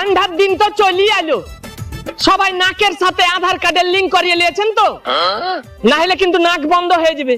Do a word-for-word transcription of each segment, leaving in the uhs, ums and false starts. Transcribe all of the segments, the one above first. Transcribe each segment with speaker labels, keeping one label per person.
Speaker 1: ঠান্ডার দিন তো চলি এলো, সবাই নাকের সাথে আধার কার্ডের লিংক করিয়ে নিয়েছেন তো, না হলে কিন্তু নাক বন্ধ হয়ে যাবে।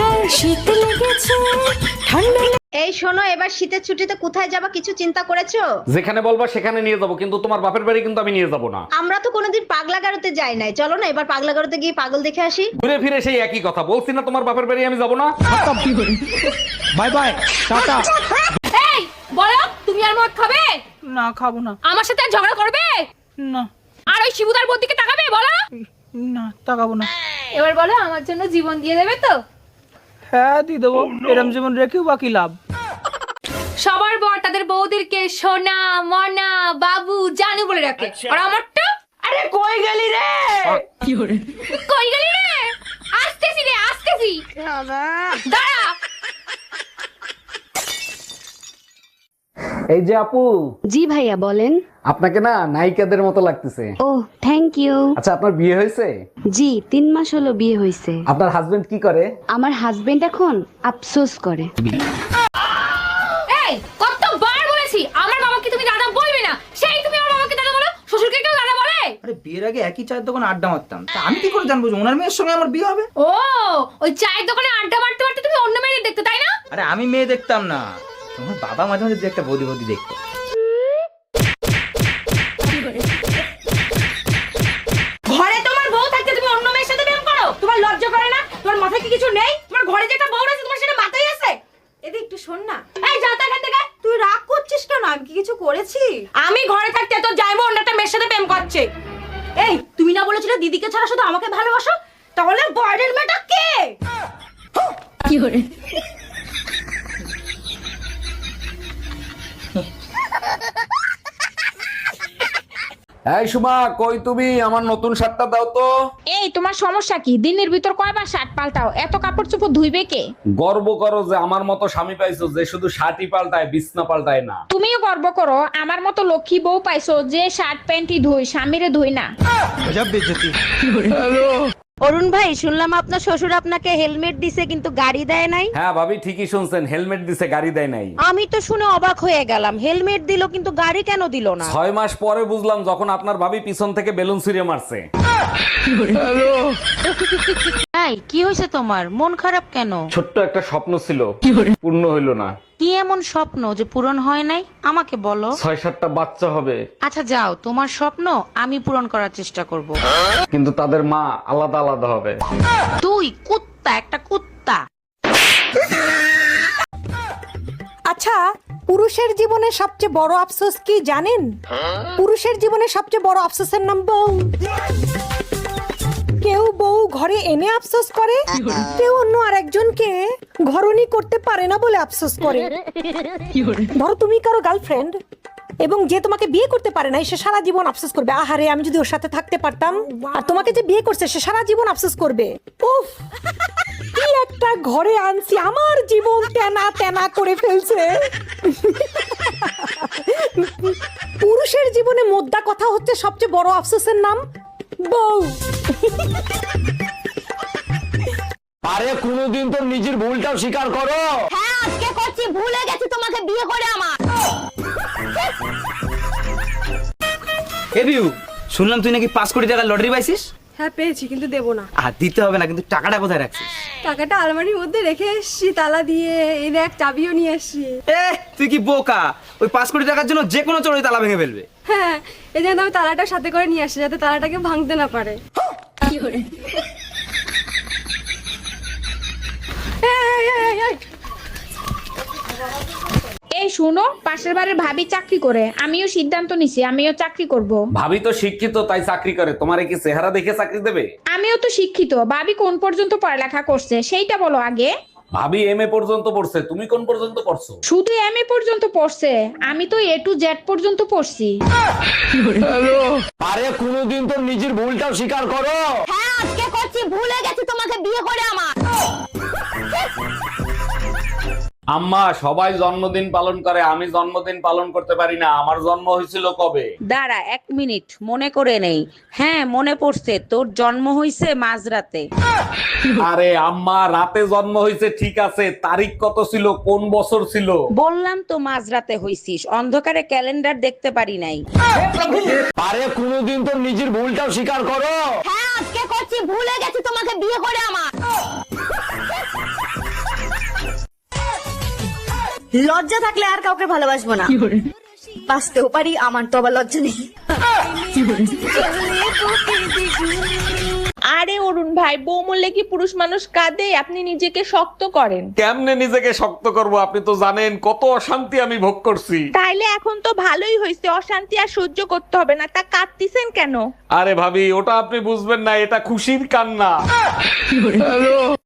Speaker 2: এই শোনো, এবার শীতের ছুটিতে কোথায় যাবা কিছু চিন্তা করেছো?
Speaker 3: যেখানে বলবা সেখানে নিয়ে যাব, কিন্তু তোমার বাপের বাড়ি কিন্তু আমি নিয়ে যাব না।
Speaker 2: আমরা তো কোনোদিন পাগলা গারোতে যাই নাই, চলো না এবার পাগলা গারোতে গিয়ে পাগল দেখে আসি।
Speaker 3: ঘুরে ফিরে সেই একই কথা বলছি না, তোমার বাপের বাড়ি আমি যাব না।
Speaker 4: Bye bye, tata.
Speaker 5: এই বলো, তুমি আর মদ খাবে?
Speaker 4: না খাবো না।
Speaker 5: আমার সাথে আর ঝগড়া করবে
Speaker 4: না
Speaker 5: আর ওই শিবুদার বোন দিকে তাকাবে? বলো
Speaker 4: না, তাকাবো না।
Speaker 5: এবার বলো, আমার জন্য জীবন দিয়ে দেবে তো?
Speaker 4: হ্যাঁ দিয়ে দেবো, এরম জীবন রেখেও বাকি লাভ।
Speaker 5: সবার বর তাদের বউদেরকে সোনা মনা বাবু জানু বলে রাখে, আর আমারটা
Speaker 1: আরে কই গেলি রে?
Speaker 5: কই গেলি রে? আসতেছি রে, আসতেছি, দাঁড়া।
Speaker 3: এই যে আপু,
Speaker 6: জি ভাইয়া বলেন।
Speaker 3: আপনাকে না নায়িকাদের মতো লাগতেছে।
Speaker 6: ও থ্যাংক ইউ।
Speaker 3: আচ্ছা, আপনার বিয়ে হয়েছে?
Speaker 6: জি তিন মাস হলো বিয়ে হয়েছে।
Speaker 3: আপনার হাজবেন্ড কি করে?
Speaker 6: আমার হাজবেন্ড এখন আফসোস করে।
Speaker 5: এই কতবার বলেছি আমার বাবাকে তুমি দাদা বলবে না, সেই তুমি আমার বাবাকে দাদা বলো, শ্বশুরকে কেউ দাদা বলে?
Speaker 4: আরে বিয়ের আগে একই চায়ের দোকানে আড্ডা মারতাম, তা আমি কি করে জানবো যে ওনার মেয়ের সঙ্গে আমার বিয়ে হবে?
Speaker 5: ও ওই চায়ের দোকানে আড্ডা মারতে মারতে তুমি অন্য মেয়েদের দেখতে, তাই না?
Speaker 4: আরে আমি মেয়ে দেখতাম না, তোমার বাবা মাঝে মাঝে দু একটা বৌদি বৌদি দেখতো।
Speaker 5: ঘরে তোমার বউ থাকতে তুমি অন্য মেয়ের সাথে প্রেম করো? তোমার লজ্জা করে না? তোমার মাথায় কি কিছু নেই? তোমার ঘরে যে একটা বউ আছে তোমার সেটা মাথায় আছে?
Speaker 2: এদিকে একটু শোন না।
Speaker 5: এই যাও তো এখান থেকে।
Speaker 2: তুই রাগ করছিস কেন? আমি কি কিছু করেছি?
Speaker 5: আমি ঘরে থাকতে তো যাইবো অন্য একটা মেয়ের সাথে প্রেম করছে।
Speaker 2: এই তুমি না বলেছিলে দিদিকে ছাড়া শুধু আমাকে ভালোবাসো? তাহলে বাইরের মেয়েটা কে?
Speaker 5: কি করে?
Speaker 3: এই সুমা, কই তুমি? আমার নতুন শার্টটা দাও তো।
Speaker 7: এই তোমার সমস্যা কি? দিনের ভিতর কয়বার শার্ট পাল্টাও? এত কাপড় চোপড় ধুইবে কে?
Speaker 3: গর্ব করো যে আমার মতো স্বামী পাইছো যে শুধু শার্টই পাল্টায়, বিছনা পাল্টায় না।
Speaker 7: তুমিও গর্ব করো আমার মতো লক্ষ্মী বউ পাইছো যে শার্ট প্যান্টই ধুই, স্বামীরে ধুই না।
Speaker 2: অরুণ ভাই, শুনলাম আপনার শ্বশুর আপনাকে হেলমেট দিছে কিন্তু গাড়ি দেয় নাই।
Speaker 3: হ্যাঁ ভাবি, ঠিকই শুনছেন, হেলমেট দিছে, গাড়ি দেয় নাই।
Speaker 2: আমি তো শুনে অবাক হয়ে গেলাম, হেলমেট দিল কিন্তু গাড়ি কেন দিল না?
Speaker 3: ছয় মাস পরে বুঝলাম, যখন আপনার ভাবি পিছন থেকে বেলুন ছুঁড়ে মারছে।
Speaker 2: এই কি হয়েছে তোমার? মন খারাপ কেন?
Speaker 3: ছোট্ট একটা স্বপ্ন ছিল, পূর্ণ হইল না।
Speaker 2: কি এমন স্বপ্ন যে পূরণ হয় নাই? আমাকে বলো।
Speaker 3: ছয় সাতটা বাচ্চা হবে,
Speaker 2: আচ্ছা যাও, তোমার স্বপ্ন আমি পূরণ করার চেষ্টা করব।
Speaker 3: কিন্তু তাদের মা আলাদা আলাদা হবে।
Speaker 2: তুই কুত্তা, একটা কুত্তা।
Speaker 8: আচ্ছা, পুরুষের জীবনে সবচেয়ে বড় আফসোস কি জানেন? পুরুষের জীবনে সবচেয়ে বড় আফসোসের নাম বউ। কেউ বউ ঘরে এনে আফসোস করে, কেউ অন্য আরেকজনকে ঘরনি করতে পারে না বলে আফসোস করে। ধরো তুমি কারো গার্লফ্রেন্ড এবং যে তোমাকে বিয়ে করতে পারে না, সে সারা জীবন আফসোস করবে, আহারে আমি যদি ওর সাথে থাকতে পারতাম। আর তোমাকে যে বিয়ে করছে সে সারা জীবন আফসোস করবে, উফ কি একটা ঘরে আনছি, আমার জীবন তেনা তেনা করে ফেলছে। পুরুষের জীবনে মোদ্দা কথা হচ্ছে সবচেয়ে বড় আফসোসের নাম বউ।
Speaker 3: আরে কোনোদিন তো নিজের ভুলটাও স্বীকার করো।
Speaker 2: হ্যাঁ আজকে করছি, ভুলে গেছি তোমাকে বিয়ে করে আমার।
Speaker 4: এ বিউ, শুনলাম তুই নাকি পাঁচ কোটি টাকা লটারি পাইছিস?
Speaker 8: হ্যাঁ পেয়েছি, কিন্তু দেবো না।
Speaker 4: আর দিতে হবে না, কিন্তু টাকাটা কোথায় রাখছিস?
Speaker 8: টাকাটা আলমারির মধ্যে রেখে এসছি তালা দিয়ে, এই দেখ চাবিও নিয়ে এসছি।
Speaker 4: এ তুই কি বোকা? ওই পাঁচ কোটি টাকার জন্য যে কোনো চোরই তালা ভেঙে ফেলবে।
Speaker 8: হ্যাঁ, এই জন্য আমি তালাটা সাথে করে নিয়ে আসছি যাতে তালাটাকে ভাঙতে না পারে।
Speaker 5: কি করে?
Speaker 8: এই, এই, এই, এই।
Speaker 7: এই শোনো, পাশের বাড়ির ভাবি চাকরি করে, আমিও সিদ্ধান্ত নিছি আমিও চাকরি করব।
Speaker 3: ভাবি তো শিক্ষিত, তাই চাকরি করে। তোমারে কি চেহারা দেখে চাকরি দেবে?
Speaker 7: আমিও তো শিক্ষিত, ভাবি কোন পর্যন্ত পড়ালেখা করছে সেইটা বলো আগে।
Speaker 3: ভাবি এম এ পর্যন্ত পড়ছে, তুমি কোন পর্যন্ত পড়ছো?
Speaker 7: শুধু এম এ পর্যন্ত পড়ছে, আমি তো এ টু জেড পর্যন্ত পড়ছি।
Speaker 3: আরে কোনোদিন তো নিজের ভুলটাও স্বীকার করো।
Speaker 2: হ্যাঁ আজকে করছি, ভুলে গেছি তোমাকে বিয়ে করে আমার।
Speaker 3: আম্মা, সবাই জন্মদিন পালন করে, আমি জন্মদিন পালন করতে পারি না। আমার জন্ম হয়েছিল কবে?
Speaker 9: দাঁড়া এক মিনিট মনে করে নেই। হ্যাঁ মনে পড়ছে, তোর জন্ম হইছে মাঝরাতে।
Speaker 3: আরে আম্মা, রাতে জন্ম হয়েছে ঠিক আছে, তারিখ কত ছিল, কোন বছর ছিল?
Speaker 9: বললাম তো মাঝরাতে হইছিস, অন্ধকারে ক্যালেন্ডার দেখতে পারি নাই।
Speaker 4: আরে কোনোদিন তো নিজের ভুলটাও স্বীকার করো।
Speaker 5: হ্যাঁ আজকে করছি, ভুলে গেছি তোমাকে বিয়ে করে আমার। লজ্জা থাকলে আর কাউকে ভালোবাসবো না, বাঁচতেও পারি, আমার তো আবার লজ্জা নেই।
Speaker 7: আরে অরুণ ভাই, বউ মরলে কি পুরুষ মানুষ কাঁদে? আপনি নিজেকে শক্ত করেন।
Speaker 3: কেমনে নিজেকে শক্ত করব? আপনি তো জানেন কত অশান্তি আমি ভোগ করছি।
Speaker 7: তাইলে এখন তো ভালোই হয়েছে, অশান্তি আর সহ্য করতে হবে না। তা কাঁদতিছেন কেন?
Speaker 3: আরে ভাবি, ওটা আপনি বুঝবেন না, এটা খুশির কান্না।